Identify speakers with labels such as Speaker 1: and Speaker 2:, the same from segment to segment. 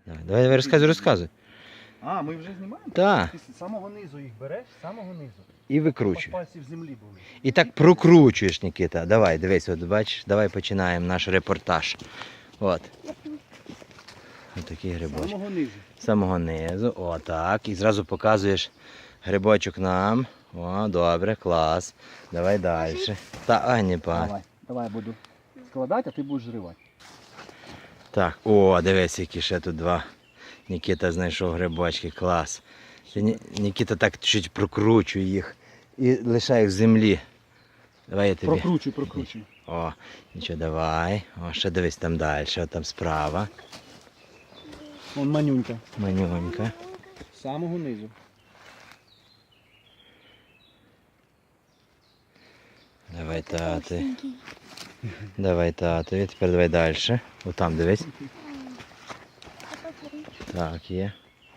Speaker 1: Давай розказуй.
Speaker 2: А, ми вже знімаємо?
Speaker 1: Так.
Speaker 2: Ти з самого низу їх береш, з самого низу.
Speaker 1: І викручуй.
Speaker 2: Пальці в землі були.
Speaker 1: І так прокручуєш, Нікіта. Давай, дивись, от бачиш, давай починаємо наш репортаж. От. Ось такий
Speaker 2: З
Speaker 1: грибочок.
Speaker 2: самого низу.
Speaker 1: З самого низу, отак. І зразу показуєш грибочок нам. О, добре, клас. Давай далі. Не па.
Speaker 2: Давай буду складати, а ти будеш зривати.
Speaker 1: Так, о, дивись, які ще тут два. Нікіта знайшов грибочки, клас. Нікіта так чуть прокручує їх і лишає їх в землі. Давай я тобі.
Speaker 2: Прокручуй.
Speaker 1: О, нічого, давай. О, ще дивись там далі, о, там справа.
Speaker 2: Вон манюнька.
Speaker 1: Манюнька.
Speaker 2: З самого низу.
Speaker 1: Давай тати. Давай татові, тепер давай далі. О, там дивись. Так, є.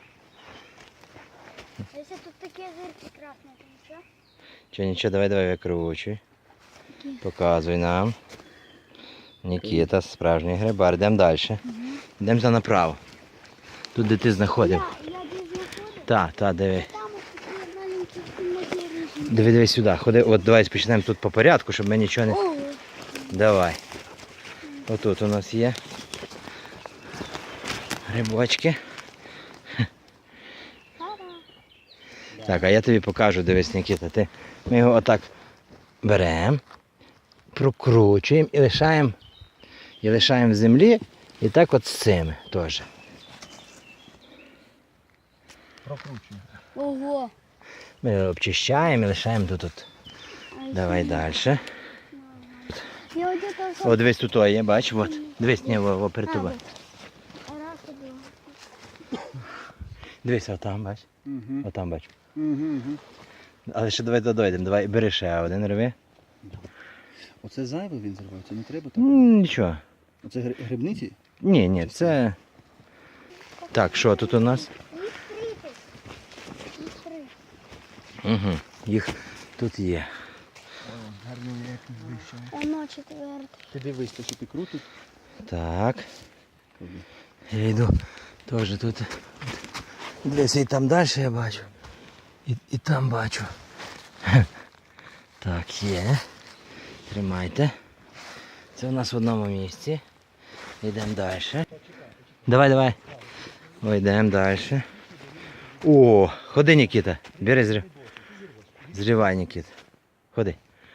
Speaker 3: Якщо тут такі зірки красні, то нічого?
Speaker 1: Нічого, давай викручуй. Показуй нам. Нікіта, справжній грибар. Йдемо далі. Йдемо направо. Тут, де ти знаходив.
Speaker 3: Я де знаходив?
Speaker 1: Так, диви.
Speaker 3: Там ось такі маленькі матерії.
Speaker 1: Диви сюди. Ходи, от давай почнемо тут по порядку, щоб ми нічого не...
Speaker 3: Ого.
Speaker 1: Давай. Отут у нас є грибочки. Так, а я тобі покажу, дивись, Нікіта. Ми його отак беремо, прокручуємо і лишаємо в землі. І так от з цими теж.
Speaker 2: Прокручуй.
Speaker 3: Ого.
Speaker 1: Ми обчищаємо і лишаємо тут. Давай далі.
Speaker 3: Я один то
Speaker 1: О, дивись, тут є, бач, от. Дивись, перед тобою. Дивись, отам, бач.
Speaker 2: Угу.
Speaker 1: Отам бач.
Speaker 2: Угу.
Speaker 1: Але ще давай дойдемо. Давай, бери ще один, рви.
Speaker 2: Оце зайве він зривається, не треба так.
Speaker 1: Нічого.
Speaker 2: Оце грибниці?
Speaker 1: Ні, це... Так, що тут у нас? Угу. Їх тут є.
Speaker 2: Гарно якось вище.
Speaker 3: Воно четверте.
Speaker 2: Ти дивись, то що ти крутиш.
Speaker 1: Так. Я йду теж тут. Дивись, і там далі я бачу. І там бачу. Так, є. Тримайте. Це у нас в одному місці. Йдемо далі. Давай. Ой, йдемо далі. О, ходи, Нікіта. Бери, зривай, Нікіта. Ходи.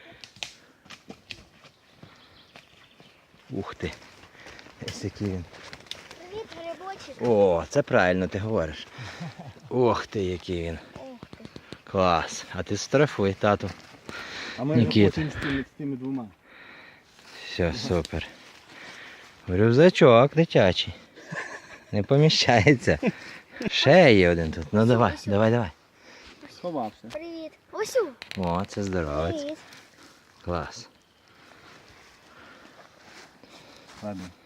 Speaker 1: Ух ти. Ось який він.
Speaker 3: Привіт, грибочок.
Speaker 1: О, це правильно ти говориш. Ох ти, який він.
Speaker 3: Ох ти.
Speaker 1: Клас. А ти штрафуй, тату.
Speaker 2: А ми
Speaker 1: Нікіта.
Speaker 2: хочемо з тими двома.
Speaker 1: Все, супер. Рюкзачок дитячий. Не поміщається. Ще є один тут. Ну давай.
Speaker 2: Сховався.
Speaker 3: Привіт. Осю.
Speaker 1: О, це здоровець.
Speaker 3: Привіт.
Speaker 1: Клас.
Speaker 2: Ладно.